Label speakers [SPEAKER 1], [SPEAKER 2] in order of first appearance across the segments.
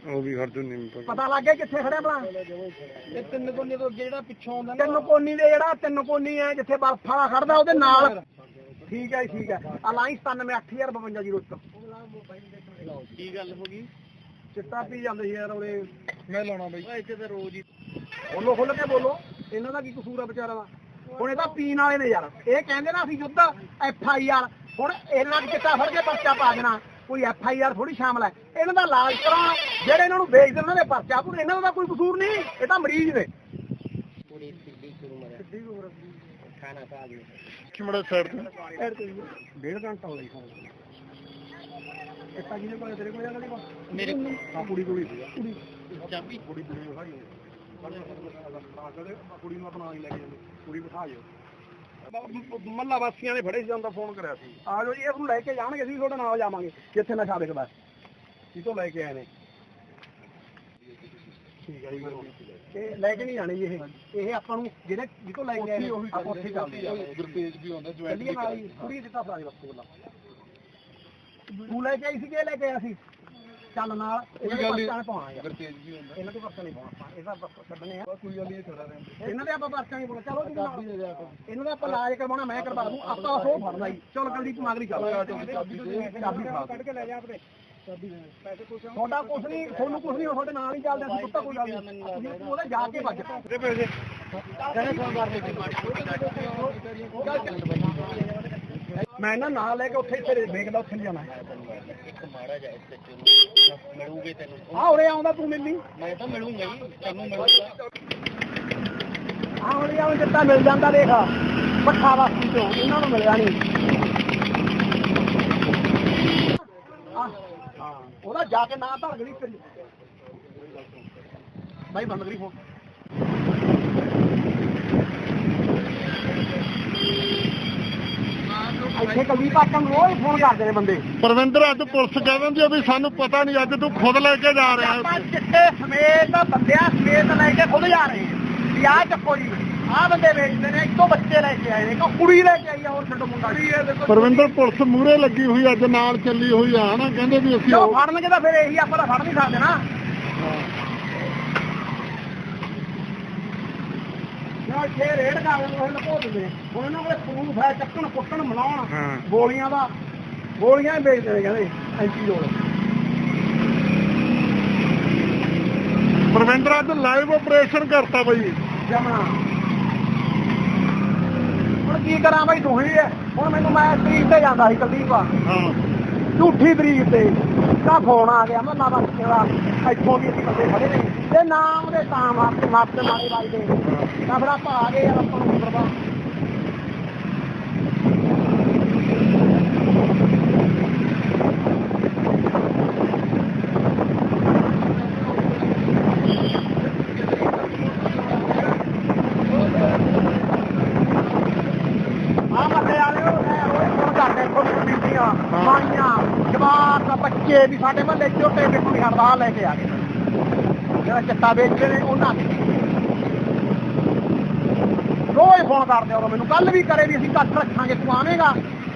[SPEAKER 1] ਉਹ ਵੀ ਖਰਚੂ ਨਹੀਂ
[SPEAKER 2] ਪਤਾ ਲੱਗ ਗਿਆ ਕਿੱਥੇ ਖੜਿਆ ਭਲਾ ਇਹ ਤਿੰਨ ਕੋਨੀ ਤੋਂ ਅੱਗੇ ਜਿਹੜਾ ਪਿੱਛੋਂ ਆਉਂਦਾ ਤਿੰਨ ਕੋਨੀ ਦੇ ਜਿਹੜਾ ਤਿੰਨ ਕੋਨੀ ਹੈ ਜਿੱਥੇ ਬਰਫ ਵਾਲਾ ਖੜਦਾ ਉਹਦੇ ਨਾਲ ਠੀਕ ਹੈ ਠੀਕ ਹੈ ਅਲਾਈ 97 ਕੀ ਗੱਲ ਹੋ ਗਈ ਚਿੱਟਾ ਪੀ ਜਾਂਦੇ ਸੀ ਯਾਰ ਉਹਨੇ ਮੈਂ ਲਾਉਣਾ ਬਈ ਇੱਥੇ ਤਾਂ ਰੋਜ਼ ਹੀ ਬੋਲੋ ਖੁੱਲ ਕੇ ਬੋਲੋ ਇਹਨਾਂ ਦਾ ਕੀ ਕਸੂਰ ਆ ਵਿਚਾਰਾ ਦਾ ਹੁਣ ਇਹ ਤਾਂ ਪੀਣ ਵਾਲੇ ਨੇ ਯਾਰ ਇਹ ਕਹਿੰਦੇ ਨਾ ਅਸੀਂ ਯੁੱਧ FIR ਹੁਣ ਇਹਨਾਂ ਨੂੰ ਚਿੱਟਾ ਫੜ ਕੇ ਪਰਚਾ ਪਾ ਦੇਣਾ ਕੋਈ FIR ਥੋੜੀ ਸ਼ਾਮਲ ਹੈ ਇਹਨਾਂ ਦਾ ਇਲਾਜ ਕਰਾਉਣਾ ਜਿਹੜੇ ਇਹਨਾਂ ਨੂੰ ਵੇਚਦੇ ਉਹਨਾਂ ਦੇ ਪਰਚਾ ਪੂਰੇ ਇਹਨਾਂ ਦਾ ਕੋਈ ਕਸੂਰ ਨਹੀਂ ਇਹ ਤਾਂ ਮਰੀਜ਼ ਨੇ ਖਾਣਾ ਖਾ ਗਏ
[SPEAKER 1] ਕਿਮੜਾ ਸਾਈਡ ਤੇ
[SPEAKER 2] ਡੇਢ ਘੰਟਾ ਹੋ ਗਿਆ ਕਿੱਤਾ ਜਿਹਨੇ ਕੋਲ ਤੇਰੇ ਕੋਲ ਜਾਂ ਕੋਲ ਮੇਰੇ ਕੋਲ ਕੁੜੀ ਕੁੜੀ ਚਾਬੀ ਕੁੜੀ ਬਿਠਾਈ ਕੁੜੀ ਨੂੰ ਆਪਣਾ ਲੈ ਕੇ ਜਾਂਦੇ ਕੁੜੀ ਬਿਠਾ ਜਾਓ ਮੱਲਾ ਵਾਸੀਆਂ ਨੇ ਫੜੇ ਸੀ ਜਾਂਦਾ ਫੋਨ ਕਰਿਆ ਸੀ ਆ ਜਾਓ ਜੀ ਇਹਨੂੰ ਲੈ ਕੇ ਜਾਣਗੇ ਅਸੀਂ ਤੁਹਾਡੇ ਨਾਲ ਜਾਵਾਂਗੇ ਜਿੱਥੇ ਨਸ਼ਾ ਵਿਕਦਾ ਕਿਤੋਂ ਲੈ ਕੇ ਆਏ ਨੇ ਠੀਕ ਹੈ ਜੀ ਇਹ ਲੈ ਕੇ ਨਹੀਂ ਜਾਣੇ ਜੀ ਇਹ ਆਪਾਂ ਨੂੰ ਜਿਹੜੇ ਜਿੱਥੋਂ ਲੈ ਕੇ ਆਏ ਆਪਾਂ ਉੱਥੇ ਚੱਲਦੇ ਆ ਗੁਰਤੇਜ ਵੀ ਹੁੰਦਾ ਜੁਆਇੰਟ ਨਾਲ ਕੁੜੀ ਦਿੱਤਾ ਫਰਾਜ ਵਸਤੂ ਵਾਲਾ ਤੂੰ ਲੈ ਕੇ ਆਈ ਸੀ ਕਿ ਲੈ ਕੇ ਆਇਆ ਸੀ ਚੱਲ ਨਾਲ ਕੋਈ ਗੱਲ ਨਹੀਂ ਪਾਉਣਾ ਯਾਰ ਗੁਰਤੇਜ ਵੀ ਹੁੰਦਾ ਇਹਨਾਂ ਦੇ ਪਰਚਾ ਨਹੀਂ ਪਾਉਣਾ ਇਹਦਾ ਛੱਡਣੇ ਆ ਕੋਈ ਗੱਲ ਨਹੀਂ ਛੱਡਾ ਰਹੇ ਇਹਨਾਂ ਦੇ ਆਪਾਂ ਪਰਚਾ ਨਹੀਂ ਪਾਉਣਾ ਚਲੋ ਜੀ ਇਹਨਾਂ ਦਾ ਆਪਾਂ ਇਲਾਜ ਕਰਵਾਉਣਾ ਮੈਂ ਕਰਵਾ ਦੂੰ ਆਪਾਂ ਉਹ ਫੜਨਾ ਜੀ ਚਲ ਗਲਦੀ ਤੂੰ ਮਗਰੀ ਚੱਲ ਚਾਬੀ ਕੱਢ ਕੇ ਲੈ ਜਾ ਆਪਣੇ ਤੁਹਾਡਾ ਕੁਛ ਨਹੀਂ ਤੁਹਾਨੂੰ ਕੁਛ ਨਹੀਂ ਤੁਹਾਡੇ ਨਾਲ ਹੀ ਚੱਲਦੇ ਅਸੀਂ ਕੁੱਤਾ ਕੋਈ ਗੱਲ ਨਹੀਂ ਤੂੰ ਉਹਦੇ ਜਾ ਕੇ ਵੱਜ ਮੈਂ ਨਾ ਨਾਲ ਲੈ ਕੇ ਉੱਥੇ ਤੇਰੇ ਵੇਖਦਾ ਉੱਥੇ ਨਹੀਂ ਜਾਣਾ ਮਾੜਾ ਜਾ ਮਿਲੂਗੇ ਤੈਨੂੰ ਆ ਉਰੇ ਆਉਂਦਾ ਤੂੰ ਮਿਲਣੀ ਮੈਂ ਤਾਂ ਮਿਲੂੰਗਾ ਹੀ ਤੈਨੂੰ ਮਿਲੂੰਗਾ ਆ ਉਰੇ ਆਉਂ ਜਿੱਤਾ ਮਿਲ ਜਾਂਦਾ ਦੇਖ ਪੱਠਾ ਵਾਸੀ ਤੋਂ ਇਹਨਾਂ ਨੂੰ ਮਿਲਿਆ ਨਹੀਂ ਉਹਦਾ ਜਾ ਕੇ ਨਾ ਧਰ ਗਈ ਕਰੀ ਬਾਈ ਬੰਦ ਕਰੀ ਫੋਨ ਇੱਥੇ ਕਵੀ ਪਾਕਾਂ ਨੂੰ ਰੋਜ਼ ਫੋਨ ਕਰਦੇ ਨੇ ਬੰਦੇ
[SPEAKER 1] ਪਰਵਿੰਦਰ ਅੱਜ ਪੁਲਿਸ ਕਹਿ ਦਿੰਦੀ ਵੀ ਸਾਨੂੰ ਪਤਾ ਨਹੀਂ ਅੱਜ ਤੂੰ ਖੁਦ ਲੈ ਕੇ ਜਾ ਰਿਹਾ
[SPEAKER 2] ਆਪਾਂ ਚਿੱਟੇ ਸਮੇਤ ਬੰਦਿਆਂ ਸਮੇਤ ਲੈ ਕੇ ਖੁਦ ਜਾ ਰਹੇ ਹਾਂ ਵੀ ਆਹ ਚੱਕੋ ਜੀ ਆਹ ਬੰਦੇ ਵੇਚਦੇ ਨੇ ਇੱਕੋ ਬੱਚੇ ਲੈ ਕੇ ਆਏ ਨੇ ਇੱਕ ਕੁੜੀ ਲੈ ਕੇ ਆਈ ਆ ਹੋਰ ਛੱਡੋ ਮੁੰਡਾ
[SPEAKER 1] ਪਰਵਿੰਦਰ ਪੁਲਿਸ ਮੂਹਰੇ ਲੱਗੀ ਹੋਈ ਅੱਜ ਨਾਲ ਚੱਲੀ ਹੋਈ ਆ ਹਨਾ ਕਹਿੰਦੇ ਵੀ ਅਸੀਂ
[SPEAKER 2] ਫੜਨਗੇ ਤਾਂ ਫਿਰ ਇਹੀ ਆਪਾਂ ਤਾਂ ਫੜ ਨਹੀਂ ਸਕਦੇ ਨਾ ਛੇ ਰੇਡ ਕਰ ਲਕੋ ਦਿੰਦੇ ਹੁਣ ਇਹਨਾਂ ਕੋਲੇ ਪ੍ਰੂਫ ਹੈ ਚੱਕਣ ਕੁੱਟਣ ਮਨਾਉਣ ਗੋਲੀਆਂ ਦਾ ਗੋਲੀਆਂ ਹੀ ਵੇਚਦੇ ਨੇ ਕਹਿੰਦੇ ਐਂਟੀ ਰੋਲ
[SPEAKER 1] ਪਰਵਿੰਦਰ ਅੱਜ ਲਾਈਵ ਆਪਰੇਸ਼ਨ ਕਰਤਾ ਬਈ
[SPEAKER 2] ਜਮਾ ਹੁਣ ਕੀ ਕਰਾਂ ਬਾਈ ਤੂੰ ਹੀ ਹੈ ਹੁਣ ਮੈਨੂੰ ਮੈਂ ਤਰੀਕ ਤੇ ਜਾਂਦਾ ਸੀ ਕੁਲਦੀਪ
[SPEAKER 1] ਹਾਂ
[SPEAKER 2] ਝੂਠੀ ਤਰੀਕ ਤੇ ਤਾਂ ਫੋਨ ਆ ਗਿਆ ਮੱਲਾ ਵਾਸਤੇ ਦਾ ਇੱਥੋਂ ਵੀ ਅਸੀਂ ਬੰਦੇ ਖੜੇ ਨੇ ਤੇ ਨਾਮ ਦੇ ਤਾਂ ਮਾਰਦੇ ਮਾਰੇ ਵੱਜਦੇ ਤਾਂ ਫਿਰ ਆਪਾਂ ਆ ਗਏ ਯਾਰ ਆਪਾਂ ਨੂੰ ਪ੍ਰਭਾ ਜਵਾਕ ਬੱਚੇ ਵੀ ਸਾਡੇ ਮਹੱਲੇ ਛੋਟੇ ਬਿੱਟੂ ਹੜਤਾਲ ਲੈ ਕੇ ਆ ਗਏ ਜਿਹੜਾ ਚਿੱਟਾ ਵੇਚਦੇ ਨੇ ਉਹਨਾਂ ਦੇ ਰੋਜ਼ ਫੋਨ ਕਰਦੇ ਉਹ ਮੈਨੂੰ ਕੱਲ ਵੀ ਕਰੇ ਵੀ ਅਸੀਂ ਕੱਟ ਰੱਖਾਂਗੇ ਤੂੰ ਆਵੇਂਗਾ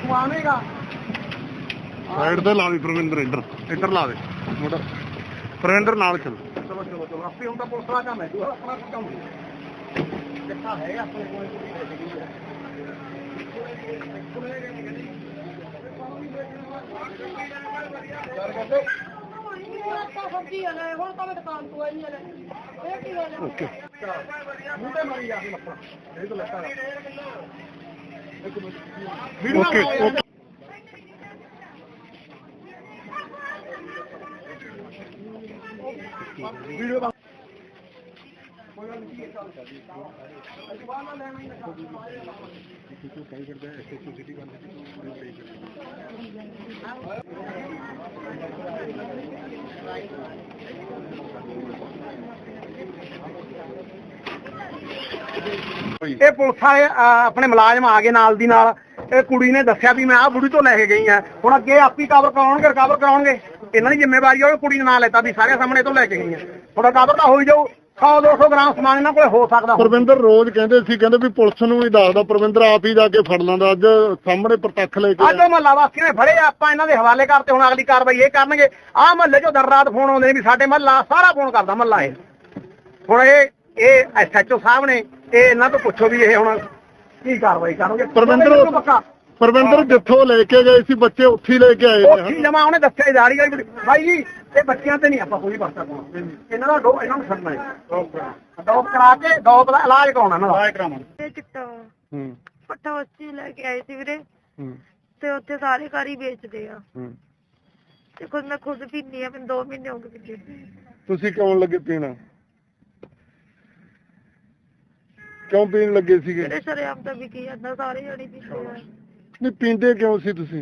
[SPEAKER 1] ਸਾਈਡ ਤੇ ਲਾ ਦੇ ਪਰਵਿੰਦਰ ਇੱਧਰ ਲਾ ਦੇ ਮੋਟਰ ਪਰਵਿੰਦਰ ਨਾਲ
[SPEAKER 2] ਚਲੋ ਆਪੇ ਹੁਣ ਤਾਂ ਪੁਲਿਸ ਦਾ ਕੰਮ ਹੈ ਤੂੰ ਆਪਣਾ ਕੰਮ ਚਿੱਟਾ ਹੈ ਆਪਣੇ ਕੋਲ ਸਬਜ਼ੀ ਵਾਲਾ ਹੁਣ ਤਾਂ ਮੈਂ ਦੁਕਾਨ ਤੋਂ ਆਈ ਵਾਲਾ ਇਹ ਕੀ ਵਾਲਾ ਓਕੇ ਮੁੰਡੇ ਮਾਰੀ ਜਾ ਕੇ ਲੱਪਾ ਇਹ ਤਾਂ ਲੱਪਾ
[SPEAKER 1] ਓਕੇ
[SPEAKER 2] ਵੀਡੀਓ ਕੋਈ ਗੱਲ ਨਹੀਂ ਚੱਲ ਜਾਂਦੀ ਅੱਜ ਬਾਅਦ ਨਾਲ ਲੈਣਾ ਹੀ ਨਾ
[SPEAKER 1] ਤੂੰ ਕਹੀ ਕਰਦਾ ਐਸਐਸਸੀ ਸਿਟੀ ਬੰਦ
[SPEAKER 2] ਇਹ ਪੁਲਿਸ ਵਾਲੇ ਆਪਣੇ ਮੁਲਾਜ਼ਮ ਆ ਗਏ ਨਾਲ ਦੀ ਨਾਲ ਇਹ ਕੁੜੀ ਨੇ ਦੱਸਿਆ ਵੀ ਮੈਂ ਆਹ ਬੁੜੀ ਤੋਂ ਲੈ ਕੇ ਗਈ ਆ ਹੁਣ ਅੱਗੇ ਆਪੀ ਕਵਰ ਕਰਾਉਣਗੇ ਇਹਨਾਂ ਦੀ ਜ਼ਿੰਮੇਵਾਰੀ ਆ ਉਹ ਕੁੜੀ ਨੇ ਨਾਂ ਲੈਤਾ ਵੀ ਸਾਰੇ ਸਾਹਮਣੇ ਤੋਂ ਲੈ ਕੇ ਗਈ ਆ ਥੋੜਾ ਕਵਰ ਤਾਂ ਹੋਈ ਜਾਊ 100-200 ਗ੍ਰਾਮ ਸਮਾਨ ਇਹਨਾਂ ਕੋਲੇ ਹੋ ਸਕਦਾ।
[SPEAKER 1] ਪ੍ਰਵਿੰਦਰ ਰੋਜ਼ ਕਹਿੰਦੇ ਸੀ, ਕਹਿੰਦੇ ਵੀ ਪੁਲਿਸ ਨੂੰ ਹੀ ਦੱਸਦਾ, ਪ੍ਰਵਿੰਦਰ ਆਪ ਹੀ ਜਾ ਕੇ ਫੜ ਲੈਂਦਾ। ਅੱਜ ਸਾਹਮਣੇ ਪ੍ਰਤੱਖ ਲੈ ਕੇ
[SPEAKER 2] ਅੱਜ ਉਹ ਮਹੱਲਾ ਵਾਸੀਆਂ ਨੇ ਫੜੇ ਆ, ਆਪਾਂ ਇਹਨਾਂ ਦੇ ਹਵਾਲੇ ਕਰਤੇ। ਹੁਣ ਅਗਲੀ ਕਾਰਵਾਈ ਇਹ ਕਰਨਗੇ। ਆਹ ਮਹੱਲੇ 'ਚੋਂ ਦਿਨ ਰਾਤ ਫੋਨ ਆਉਂਦੇ ਨੇ ਵੀ ਸਾਡੇ ਮਹੱਲਾ ਸਾਰਾ ਫੋਨ ਕਰਦਾ ਮਹੱਲਾ ਇਹ। ਹੁਣ ਇਹ ਐਸਐਚਓ ਸਾਹਿਬ ਨੇ, ਇਹ ਇਹਨਾਂ ਤੋਂ ਪੁੱਛੋ ਵੀ ਇਹ ਹੁਣ ਕੀ ਕਾਰਵਾਈ ਕਰਨਗੇ।
[SPEAKER 1] ਪ੍ਰਵਿੰਦਰ ਜਿੱਥੋਂ ਲੈ ਕੇ ਗਏ ਸੀ ਬੱਚੇ ਉੱਥੇ ਹੀ ਲੈ ਕੇ ਆਏ
[SPEAKER 2] ਉੱਥੇ ਜਮਾ ਉਹਨੇ ਦੱਸਿਆ ਜਾਰੀ ਵਾਲੀ ਬਾਈ ਜੀ ਇਹ ਬੱਚਿਆਂ ਤੇ ਨਹੀਂ ਆਪਾਂ ਕੋਈ ਪਰਚਾ ਪਾਉਣਾ। ਇਹਨਾਂ ਦਾ ਇਹਨਾਂ ਨੂੰ ਛੱਡਣਾ ਹੈ, ਡੋਪ ਕਰਾ ਕੇ ਡੋਪ ਦਾ ਇਲਾਜ ਕਰਾਉਣਾ ਇਹਨਾਂ ਦਾ।
[SPEAKER 3] ਇਹ ਚਿੱਟਾ ਪੱਠਾ ਉੱਚੀ ਲੈ ਕੇ ਆਏ ਸੀ ਵੀਰੇ, ਤੇ ਉੱਥੇ ਸਾਰੇ ਘਰ ਹੀ ਵੇਚਦੇ ਆ। ਤੇ ਖੁਦ ਮੈਂ ਖੁਦ ਪੀਂਦੀ ਆ, ਮੈਨੂੰ 2 ਮਹੀਨੇ ਹੋ ਗਏ ਪੀਂਦੇ।
[SPEAKER 1] ਤੁਸੀਂ ਕਿਉਂ ਲੱਗੇ ਪੀਣਾ? ਕਿਉਂ ਪੀਣ ਲੱਗੇ ਸੀਗੇ?
[SPEAKER 3] ਜਿਹੜੇ ਸ਼ਰੇਆਮ ਤਾਂ ਵਿਕੀ ਜਾਂਦਾ, ਸਾਰੇ ਜਣੇ ਪੀਂਦੇ ਆ।
[SPEAKER 1] ਨਹੀਂ ਪੀਂਦੇ ਕਿਉਂ ਸੀ ਤੁਸੀਂ?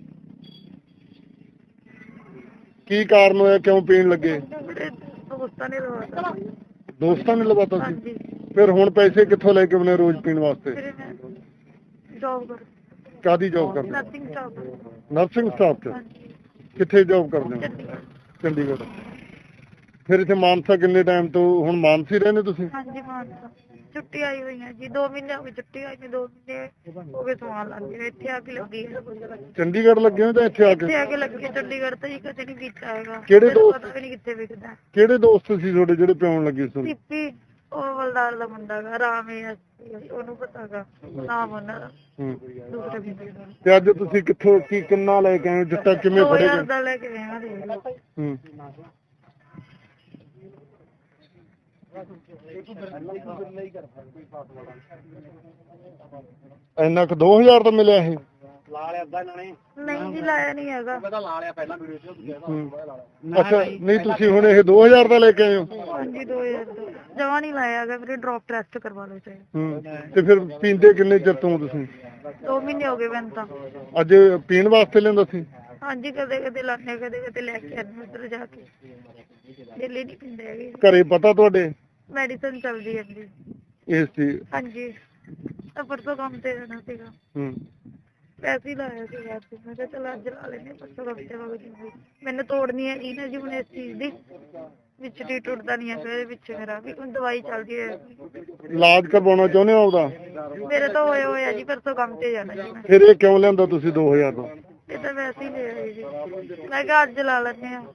[SPEAKER 1] ਕੀ ਕਾਰਨ ਹੋਇਆ, ਕਿਉਂ ਪੀਣ ਲੱਗੇ?
[SPEAKER 3] ਮੇਰੇ ਦੋਸਤਾਂ ਨੇ ਲਵਾਤਾ।
[SPEAKER 1] ਦੋਸਤਾਂ ਨੇ ਲਵਾਤਾ ਸੀ?
[SPEAKER 3] ਹਾਂਜੀ।
[SPEAKER 1] ਫਿਰ ਹੁਣ ਪੈਸੇ ਕਿੱਥੋਂ ਲੈ ਕੇ ਆਉਣੇ ਰੋਜ਼ ਪੀਣ ਵਾਸਤੇ?
[SPEAKER 3] ਫਿਰ ਮੈਂ ਜੌਬ ਕਰ
[SPEAKER 1] ਕਾਦੀ ਜੌਬ ਕਰਦੇ?
[SPEAKER 3] Nursing job.
[SPEAKER 1] ਨਰਸਿੰਗ ਸਟਾਫ 'ਚ?
[SPEAKER 3] ਹਾਂਜੀ।
[SPEAKER 1] ਕਿੱਥੇ ਜੌਬ ਕਰਦੇ ਹੋ? ਚੰਡੀਗੜ੍ਹ। ਫਿਰ ਇੱਥੇ ਮਾਨਸਾ ਕਿੰਨੇ ਟਾਈਮ ਤੋਂ? ਹੁਣ ਮਾਨਸੀ ਰਹਿੰਦੇ ਤੁਸੀਂ?
[SPEAKER 3] ਹਾਂਜੀ ਮਾਨਸਾ। ਛੁੱਟੀ ਆਈ ਹੋਈ ਹੈ ਜੀ, 2 ਮਹੀਨੇ ਹੋ ਗਏ ਛੁੱਟੀ ਆਈ ਨੂੰ। 2 ਮਹੀਨੇ ਹੋ ਗਏ ਸਮਾਨ ਲੱਗ ਗਿਆ, ਇੱਥੇ ਆ ਕੇ ਲੱਗੀ ਹੈ।
[SPEAKER 1] ਚੰਡੀਗੜ੍ਹ ਲੱਗੇ ਹੋ ਜਾਂ ਇੱਥੇ ਆ ਕੇ?
[SPEAKER 3] ਇੱਥੇ ਆ ਕੇ ਲੱਗੀ। ਚੰਡੀਗੜ੍ਹ ਤਾਂ ਜੀ ਕਦੇ ਨਹੀਂ ਪੀਤਾ ਹੈਗਾ।
[SPEAKER 1] ਕਿਹੜੇ
[SPEAKER 3] ਮੈਨੂੰ
[SPEAKER 1] ਦੋਸਤ?
[SPEAKER 3] ਪਤਾ ਵੀ ਨਹੀਂ ਕਿੱਥੇ ਵਿਕਦਾ।
[SPEAKER 1] ਕਿਹੜੇ ਦੋਸਤ ਸੀ ਤੁਹਾਡੇ ਜਿਹੜੇ ਪਿਆਉਣ ਲੱਗੇ ਸੀ?
[SPEAKER 3] ਸਿੱਪੀ, ਉਹ ਵਲਦਾਰ ਦਾ ਮੁੰਡਾ ਗਾ, ਰਾਮ ਹੈ, ਉਹਨੂੰ ਪਤਾ ਗਾ ਨਾਮ ਉਹਨਾਂ ਦਾ। ਦੂਸਰੇ ਬੰਦੇ ਦਾ।
[SPEAKER 1] ਤੇ ਅੱਜ ਤੁਸੀਂ ਕਿੱਥੋਂ ਕਿੰਨਾ ਲੈ ਕੇ ਆਏ ਹੋ? ਜੱਟਾ ਕਿਵੇਂ ਫੜੇ
[SPEAKER 3] 2000
[SPEAKER 1] ਗਏ?
[SPEAKER 3] ਦਾ ਲੈ ਕੇ ਆਏ ਆ। ਦੇਖ ਲਓ।
[SPEAKER 1] ਇੰਨਾ ਕੁ 2000 ਦਾ ਮਿਲਿਆ ਇਹ?
[SPEAKER 3] ਨਹੀਂ ਜੀ ਲਾਇਆ ਨਹੀਂ ਹੈਗਾ।
[SPEAKER 1] ਅੱਛਾ, ਨਹੀਂ ਤੁਸੀਂ ਹੁਣ ਇਹ 2000 ਦਾ ਲੈ ਕੇ ਆਏ ਹੋ?
[SPEAKER 3] ਹਾਂਜੀ 2000 ਦਾ ਜਮਾ ਨਹੀਂ ਲਾਇਆ ਹੈਗਾ ਵੀਰੇ। ਡ੍ਰੌਪ ਟੈਸਟ ਕਰਵਾ ਲਓ ਚਾਹੇ।
[SPEAKER 1] ਤੇ ਫਿਰ ਪੀਂਦੇ ਕਿੰਨੇ ਚਿਰ ਤੋਂ ਤੁਸੀਂ?
[SPEAKER 3] 2 ਮਹੀਨੇ ਹੋ ਗਏ ਮੈਨੂੰ ਤਾਂ।
[SPEAKER 1] ਅੱਜ ਪੀਣ ਵਾਸਤੇ ਲੈਂਦਾ ਸੀ?
[SPEAKER 3] ਹਾਂਜੀ ਕਦੇ ਕਦੇ ਲਾਣੇ, ਕਦੇ ਕਦੇ ਲੈ ਕੇ ਆਉਂਦੇ ਉੱਧਰ ਜਾ ਕੇ। ਦਿੱਲੀ ਨਹੀਂ ਪੀਂਦੇ ਹੈਗੇ।
[SPEAKER 1] ਘਰੇ ਪਤਾ ਤੁਹਾਡੇ?
[SPEAKER 3] ਮੈਡੀਸਨ ਚੱਲਦੀ ਹੈ ਜੀ।
[SPEAKER 1] ਇਸ ਚੀਜ਼?
[SPEAKER 3] ਹਾਂਜੀ। ਤਾਂ ਪਰਸੋਂ ਕੰਮ ਤੇ ਜਾਣਾ ਸੀਗਾ। ਵੈਸੇ ਹੀ ਲਾਇਆ ਸੀ ਯਾਰ। ਮੈਂ ਕਿਹਾ ਚਲ ਅੱਜ ਲਾ ਲੈਨੇ, ਪਰਸੋਂ ਕੰਮ ਤੇ ਵਗ ਜੂਗੀ। ਮੈਨੂੰ ਤੋੜਨੀ ਹੈ ਜੀ ਨਾ ਜੀ ਹੁਣ ਇਸ ਚੀਜ਼ ਦੀ। ਵਿੱਚ ਦੀ ਟੁੱਟਦਾ ਨਹੀਂ ਹੈ ਇਹਦੇ ਵਿੱਚ ਮੇਰਾ ਵੀ। ਹੁਣ ਦਵਾਈ ਚੱਲਦੀ ਹੈ।
[SPEAKER 1] ਇਲਾਜ ਕਰਵਾਉਣਾ ਚਾਹੁੰਦੇ ਹੋ ਆਪਦਾ?
[SPEAKER 3] ਮੇਰੇ ਤਾਂ ਹੋਇਆ ਹੋਇਆ ਜੀ, ਪਰਸੋਂ ਕੰਮ ਤੇ ਜਾਣਾ ਜੀ ਮੈਂ।
[SPEAKER 1] ਫਿਰ ਇਹ ਕਿਉਂ ਲੈਂਦਾ ਤੁਸੀਂ 2000 ਦਾ?
[SPEAKER 3] ਇਹ ਤਾਂ ਵੈਸੇ ਹੀ ਲੈ ਆਏ ਜੀ। ਮੈਂ ਕਿਹਾ ਅੱਜ ਲਾ ਲੈਨੇ ਆ।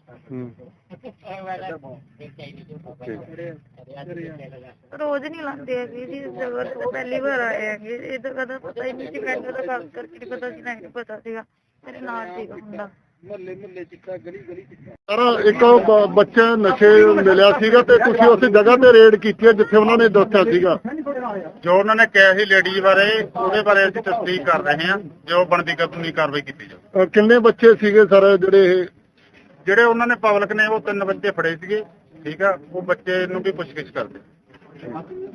[SPEAKER 3] ਰੋਜ਼ ਨਹੀਂ ਲਾਉਂਦੇ ਹੈਗੇ ਜੀ। ਇਸ ਜਗ੍ਹਾ ਤੇ ਤਾਂ ਪਹਿਲੀ ਵਾਰ ਆਏ ਹੈਗੇ। ਇਹ ਜਗ੍ਹਾ ਦਾ ਪਤਾ ਹੀ ਨਹੀਂ ਸੀ। ਮੈਨੂੰ ਤਾਂ ਖਾਸ ਕਰਕੇ ਨਹੀਂ ਪਤਾ ਸੀ, ਨਾ ਹੀ ਪਤਾ ਸੀਗਾ। ਮੇਰੇ ਨਾਲ ਸੀਗਾ ਮੁੰਡਾ।
[SPEAKER 1] ਸਰ ਇੱਕ ਬੱਚੇ ਨਸ਼ੇ ਮਿਲਿਆ ਸੀਗਾ ਤੇ ਤੁਸੀਂ ਉਸ ਜਗ੍ਹਾ ਤੇ ਰੇਡ ਕੀਤੀ ਹੈ ਜਿੱਥੇ ਉਹਨਾਂ ਨੇ ਦੱਸਿਆ ਸੀਗਾ?
[SPEAKER 4] ਜੋ ਉਹਨਾਂ ਨੇ ਕਿਹਾ ਸੀ ਲੇਡੀਜ਼ ਬਾਰੇ, ਉਹਦੇ ਬਾਰੇ ਅਸੀਂ ਤਸਦੀਕ ਕਰ ਰਹੇ ਹਾਂ। ਜੋ ਬਣਦੀ ਕਾਨੂੰਨੀ ਕਾਰਵਾਈ ਕੀਤੀ ਜਾਵੇ।
[SPEAKER 1] ਕਿੰਨੇ ਬੱਚੇ ਸੀਗੇ ਸਰ
[SPEAKER 4] ਜਿਹੜੇ ਉਹਨਾਂ ਨੇ ਪਬਲਿਕ ਨੇ ਉਹ 3 ਬੱਚੇ ਫੜੇ ਸੀਗੇ। ਠੀਕ ਆ, ਉਹ ਬੱਚੇ ਨੂੰ ਵੀ ਪੁੱਛਗਿੱਛ ਕਰਦੇ।